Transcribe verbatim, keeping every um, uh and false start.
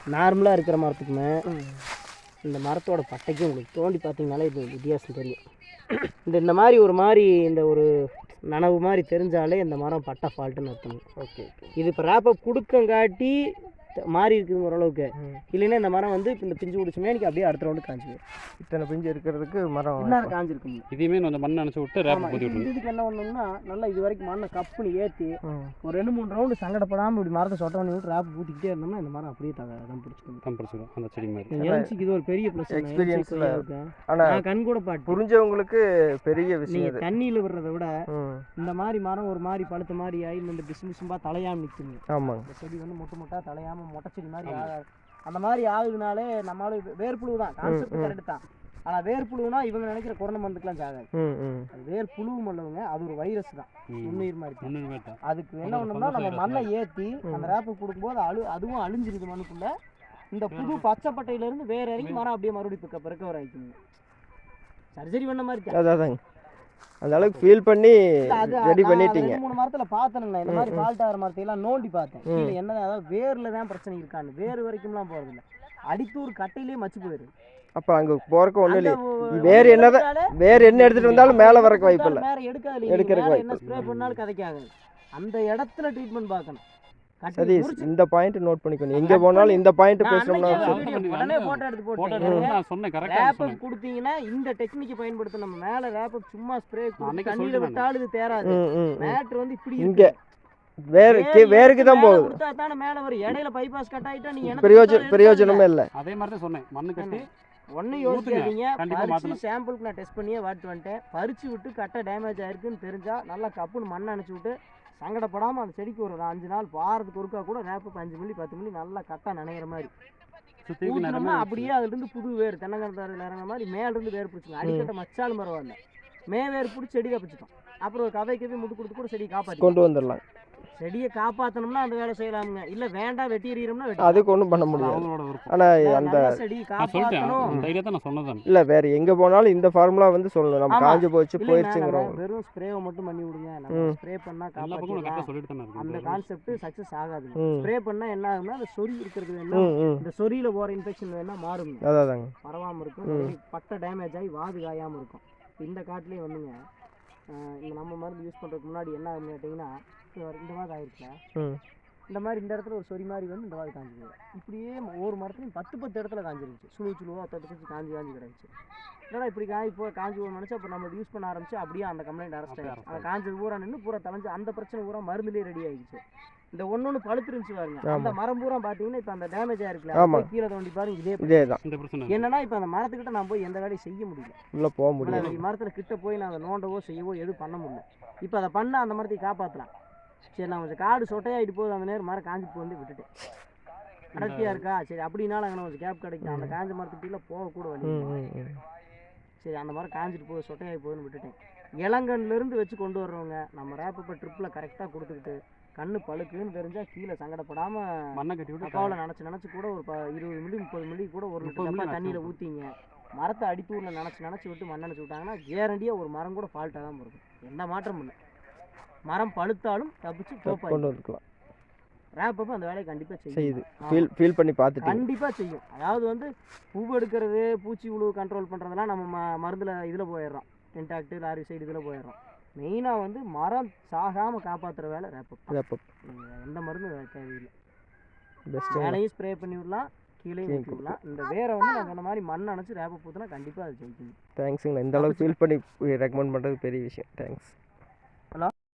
நார்மலாக இருக்கிற மரத்துக்குமே இந்த மரத்தோட பட்டைக்கும் உங்களுக்கு தோண்டி பார்த்தீங்கனாலே இது வித்தியாசம் தெரியும். இந்த இந்த மாதிரி ஒரு மாதிரி இந்த ஒரு நனவு மாதிரி தெரிஞ்சாலே இந்த மரம் பட்டை ஃபால்ட்டுன்னு அர்த்தம். Okay okay. இது இப்போ ரேப்பப் கொடுக்கங்காட்டி மாறி இருக்குது ஓரளவுக்கு. இல்லைன்னா இந்த மரம் வந்து இப்போ இந்த பிஞ்சு பிடிச்சுமே எனக்கு அப்படியே அடுத்த ரவுண்டு காஞ்சிடும். இத்தனை பிஞ்சு இருக்கிறதுக்கு மரம் இன்னும் காஞ்சிருக்குங்க. இதையுமே கொஞ்சம் மண் நினச்சி விட்டு ரேப்பப் ஊற்றி விட்டு இதுக்கு என்ன பண்ணணும்னா நல்லா இது வரைக்கும் மண்ணை கப்புன்னு ஏற்றி ஒரு ரெண்டு மூணு ரவுண்டு சங்கடப்படாமல் இப்படி மரத்தை சொட்ட பண்ணி விட்டு ரேப் ஊற்றிக்கிட்டே இருந்தோம்னா இந்த மரம் அப்படியே தான் பிடிச்சிக்கணும். தான் பிடிச்சிடும் அந்த செடி மாதிரி. என்சிக்கு இது ஒரு பெரிய ப்ளஸ் எக்ஸ்பீரியன்ஸில் இருக்கும். ஆனால் கண் கூட பாட்டு புரிஞ்சவங்களுக்கு பெரிய விஷயம். நீங்கள் தண்ணியில் விடுறத விட இந்த மாதிரி மரம் ஒரு மாதிரி பழுத்த மாதிரி ஆகி இந்த பிசு பிசும்பா தலையாமல் நிற்குங்க. ஆமாம். இந்த செடி வந்து மொட்டை மொட்டா தலையாமல் மொட்டை செடி மாதிரி ஆகாது. அந்த மாதிரி ஆகுதுனாலே நம்மளால வேர்ப்புழு தான் கான்செப்ட் கரெக்டு தான். ஆனால் வேர்ப்புழுனா இவங்க நினைக்கிற கொரோனா மருந்துக்கெல்லாம் சாகாது. அது வேர் புழுவும் இல்லவங்க, அது ஒரு வைரஸ் தான், நுண்ணுயிர் மாதிரி. அதுக்கு என்ன பண்ணணும்னா நம்ம மண்ணை ஏற்றி அந்த ரேப்பு கொடுக்கும்போது அழு அதுவும் அழிஞ்சிருது மண்ணுக்குள்ள. இந்த புது பச்சைப்பட்டையிலேருந்து வேற இறங்கி மரம் அப்படியே மறுபடியும் பிக்கப் ரெக்கவர் ஆகிக்குங்க. சர்ஜரி பண்ண மாதிரி அதாதாங்க. அந்த அளவுக்கு ஃபீல் பண்ணி ரெடி பண்ணிட்டீங்க. மூணு மரத்துல பார்த்தேனுங்க இந்த மாதிரி ஃபால்ட் ஆகிற மரத்தையெல்லாம் நோண்டி பார்த்தேன். கீழே என்ன அதாவது வேர்ல தான் பிரச்சனை இருக்கான்னு. வேறு வரைக்கும்லாம் போகிறது இல்லை, அடித்தூர் கட்டையிலேயே மச்சு போயிடுது. அப்போ அங்கே போறக்கு ஒன்றும் இல்லை. வேறு என்னதான் வேறு என்ன எடுத்துகிட்டு வந்தாலும் மேலே வரக்கு வாய்ப்பு இல்லை. வேறு எடுக்காது, எடுக்கிறக்கு என்ன ஸ்ப்ரே பண்ணாலும் கதைக்காது. அந்த இடத்துல ட்ரீட்மெண்ட் பார்க்கணும். சதீஷ் இந்த பாயிண்ட் நோட் பண்ணிக்கணும். எங்க போனாலும் இந்த பாயிண்ட் பேசணும்னா உடனே போட்டோ எடுத்து போட்டு நான் சொன்னேன் கரெக்ட்டா ரேப்பப் கொடுத்தீங்கன்னா இந்த டெக்னிக்கை பயன்படுத்த. நம்ம மேல ரேப்பப் சும்மா ஸ்ப்ரே பண்ணி தண்ணியில விட்டாலும் இது தேராது. மேட்டர் வந்து இப்படி இங்க வேற வேருக்கு தான் போகுது. கொடுத்தா தானே மேல வரும். இடையில பைபாஸ் கட் ஆயிட்டா நீங்க என்ன பிரயோஜனம் பிரயோஜனமே இல்லை. அதே மாதிரி தான் சொன்னேன். மண்ணு கட்டி ஒன்னும் யோசிக்காதீங்க. பறிச்சு சாம்பிளுக்கு நான் டெஸ்ட் பண்ணியே வாட்டு வந்துட்டேன். பறிச்சு விட்டு கட்டை டேமேஜ் ஆயிருக்குன்னு தெரிஞ்சா நல்லா கப்புன்னு மண்ணை அணைச்சி விட்டு சங்கடப்படாமல் அந்த செடிக்கு ஒரு அஞ்சு நாள் வாரத்துக்கு ஒருக்கா கூட ரேப்பு அஞ்சு மில்லி பத்து மில்லி நல்லா கட்டா நனைகிற மாதிரி ஊற்றினோம்னா அப்படியே அதுலேருந்து புது வேர் தென்னங்கரத்தாறு இறங்குற மாதிரி மேலேருந்து வேர் பிடிச்சிங்க. அடிக்கட்ட மச்சாலும் பரவாயில்ல, மே வேர் பிடிச்சி செடி காப்பிச்சிட்டோம். அப்புறம் ஒரு கதைக்கு போய் முட்டு கொடுத்து கூட செடி காப்பாற்றி கொண்டு வந்துடலாம். செடியை காப்பாற்றணும்னா அந்த வேலை செய்யலாமுங்க. இல்லை வேண்டாம் வெட்டி எறியணும்னா அதுக்கு ஒன்றும் பண்ண முடியாது. ஆனால் அந்த செடி காப்பாற்றணும் இல்லை வேறு எங்கே போனாலும் இந்த ஃபார்முலா வந்து சொல்லணும். நம்ம காஞ்சு போச்சு போயிடுச்சுங்கிறோம். வெறும் ஸ்ப்ரேவை மட்டும் பண்ணி விடுங்க. நம்ம ஸ்ப்ரே பண்ணால் காப்பாற்றலாம். அந்த கான்செப்ட் சக்ஸஸ் ஆகாது. ஸ்ப்ரே பண்ணால் என்ன ஆகும்னா அந்த சொறி இருக்கிறது வேணா இந்த சொறியில் போகிற இன்ஃபெக்ஷன் வேணா மாறும். அதாதாங்க பரவாமல் இருக்கும். பட்டை டேமேஜ் ஆகி வாது காயாமல் இருக்கும். இந்த காட்டிலே வந்துங்க இந்த நம்ம மருந்து யூஸ் பண்ணுறதுக்கு முன்னாடி என்ன ஆகுன்னு கேட்டிங்கன்னா இந்த மாதிரி ஆயிருக்குல இந்த மாதிரி இந்த இடத்துல ஒரு சொறி மாதிரி வந்து இந்த மாதிரி காஞ்சிது. இப்படியே ஒவ்வொரு மரத்துலையும் பத்து பத்து இடத்துல காஞ்சிருச்சு. சுழு சுழுவா தட்டு தச்சு காஞ்சி காஞ்சி கிடச்சி. ஏன்னா இப்படி காய் இப்போ காஞ்சி போக நினச்சா அப்போ நம்ம யூஸ் பண்ண ஆரம்பிச்சு அப்படியே அந்த கம்ப்ளைண்ட் அரெஸ்ட் ஆகிடுச்சு. அந்த காஞ்சது பூரா நின்று பூரா தலைஞ்சு அந்த பிரச்சனை பூரா மருந்துலேயே ரெடி ஆகிடுச்சு. இந்த ஒன்று ஒன்று பழுத்துருந்துச்சு பாருங்க. அந்த மரம் பூரா பார்த்தீங்கன்னா இப்போ அந்த டேமேஜ் ஆயிருக்குல்ல, கீழே தோண்டி பாருங்க. இதே இதே தான் என்னன்னா இப்போ அந்த மரத்துக்கிட்ட நான் போய் எந்த வேலையும் செய்ய முடியல. உள்ள போக முடியல. மரத்தில் கிட்ட போய் நான் அதை நோண்டவோ செய்யவோ எதுவும் பண்ண முடியல. இப்போ அதை பண்ண அந்த மரத்தை காப்பாற்றலாம். சரி நான் கொஞ்சம் காடு சொட்டையாகிட்டு போகுது அந்த நேரம் மரம் காஞ்சி போய் வந்து விட்டுட்டேன். அடர்த்தியாக இருக்கா சரி அப்படின்னாலும் அங்கே கொஞ்சம் கேப் கிடைக்கும். அந்த காஞ்ச மரத்துக்கிட்ட போகக்கூட வழி. சரி அந்த மரம் காஞ்சிட்டு போகுது சொட்டையாகி போகுதுன்னு விட்டுட்டேன். இளங்கன்லேருந்து வச்சு கொண்டு வர்றவங்க நம்ம ரேப்பப்ப ட்ரிப்பில் கரெக்டாக கொடுத்துக்கிட்டு கண்ணு பழுக்குன்னு தெரிஞ்சால் கீழே சங்கடப்படாமல் மண்ணை கட்டி விட்டு அப்பாவில் நினச்சி நினச்சி கூட ஒரு ப இருபது மில்லி முப்பது மில்லி கூட ஒரு லிட்டர் தண்ணியில் ஊற்றிங்க. மரத்தை அடித்தூரில் நினச்சி நினச்சி விட்டு மண் நினச்சி விட்டாங்கன்னா கேரண்டியாக ஒரு மரம் கூட ஃபால்ட்டாக தான் இருக்கும். எந்த மாற்றமும் இல்லை. மரம் பழுத்தாலும் தப்பிச்சு கொண்டு வந்துக்கலாம். ரேப்பப் அந்த வேலையை கண்டிப்பாக செய்யுது. ஃபீல் ஃபீல் பண்ணி பார்த்துட்டு கண்டிப்பாக செய்யும். அதாவது வந்து பூ எடுக்கிறது பூச்சி உழு கண்ட்ரோல் பண்ணுறதெல்லாம் நம்ம ம மருந்தில் இதில் போயிடுறோம். இன்டாக்டு லாரி சைடு இதில் போயிடுறோம். மெயினாக வந்து மரம் சாகாமல் காப்பாற்றுற வேலை ரேப்பப். ரேப்பப் எந்த மருந்தும் தேவையில்லை. பெஸ்ட் வேலையும் ஸ்ப்ரே பண்ணி விடலாம், கீழே ஊற்றி விடலாம். இந்த வேரை வந்து நான் சொன்ன மாதிரி மண் அணைச்சி ரேப்பப் ஊற்றினா கண்டிப்பாக அது ஜெயிக்கணும். தேங்க்ஸுங்களா. இந்த அளவுக்கு ஃபீல் பண்ணி ரெக்கமெண்ட் பண்ணுறது பெரிய விஷயம். தேங்க்ஸ். ஹலோ.